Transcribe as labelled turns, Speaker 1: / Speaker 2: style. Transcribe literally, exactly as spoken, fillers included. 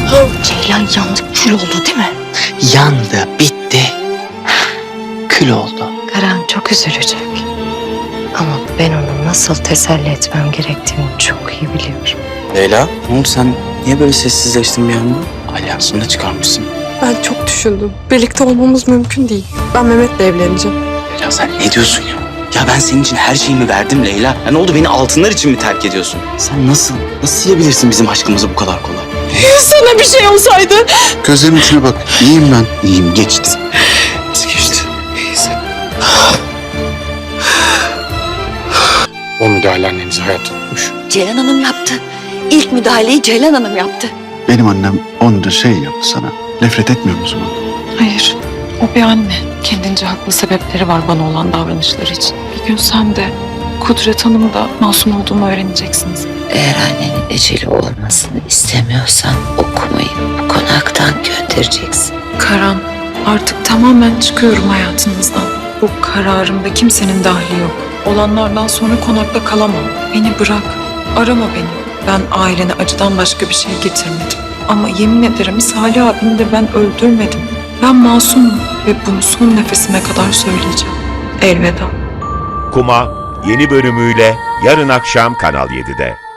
Speaker 1: Ceylan yandı, kül oldu değil mi?
Speaker 2: Yandı, bitti. Kül oldu.
Speaker 1: Karan çok üzülecek. Ama ben onu nasıl teselli etmem gerektiğini çok iyi biliyorum.
Speaker 2: Leyla, ne oldu sen? Niye böyle sessizleştin bir anda? Alyansını da çıkarmışsın.
Speaker 3: Ben çok düşündüm. Birlikte olmamız mümkün değil. Ben Mehmet'le evleneceğim.
Speaker 2: Leyla sen ne diyorsun ya? Ya ben senin için her şeyimi verdim Leyla. Ya ne oldu, beni altınlar için mi terk ediyorsun? Sen nasıl, nasıl yiyebilirsin bizim aşkımızı bu kadar kolay?
Speaker 3: Sana bir şey olsaydı.
Speaker 4: Gözlerimin içine bak. İyiyim ben. İyiyim. Geçti.
Speaker 2: Nasıl geçti? İyisin.
Speaker 4: O müdahale annenizi hayatta tutmuş.
Speaker 5: Ceylan Hanım yaptı. İlk müdahaleyi Ceylan Hanım yaptı.
Speaker 4: Benim annem onca şey yaptı sana. Nefret etmiyor musun ondan?
Speaker 6: Hayır, o bir anne. Kendince haklı sebepleri var bana olan davranışları için. Bir gün sen de Kudret Hanım da masum olduğumu öğreneceksiniz.
Speaker 5: Eğer annenin eceli olmasını istemiyorsan okumayı bu konaktan göndereceksin.
Speaker 6: Karan, artık tamamen çıkıyorum hayatınızdan. Bu kararımda kimsenin dahli yok. Olanlardan sonra konakta kalamam. Beni bırak, arama beni. Ben ailene acıdan başka bir şey getirmedim. Ama yemin ederim Salih abini de ben öldürmedim. Ben masumum ve bunu son nefesime kadar söyleyeceğim. Elveda.
Speaker 7: Kuma yeni bölümüyle yarın akşam Kanal yedide.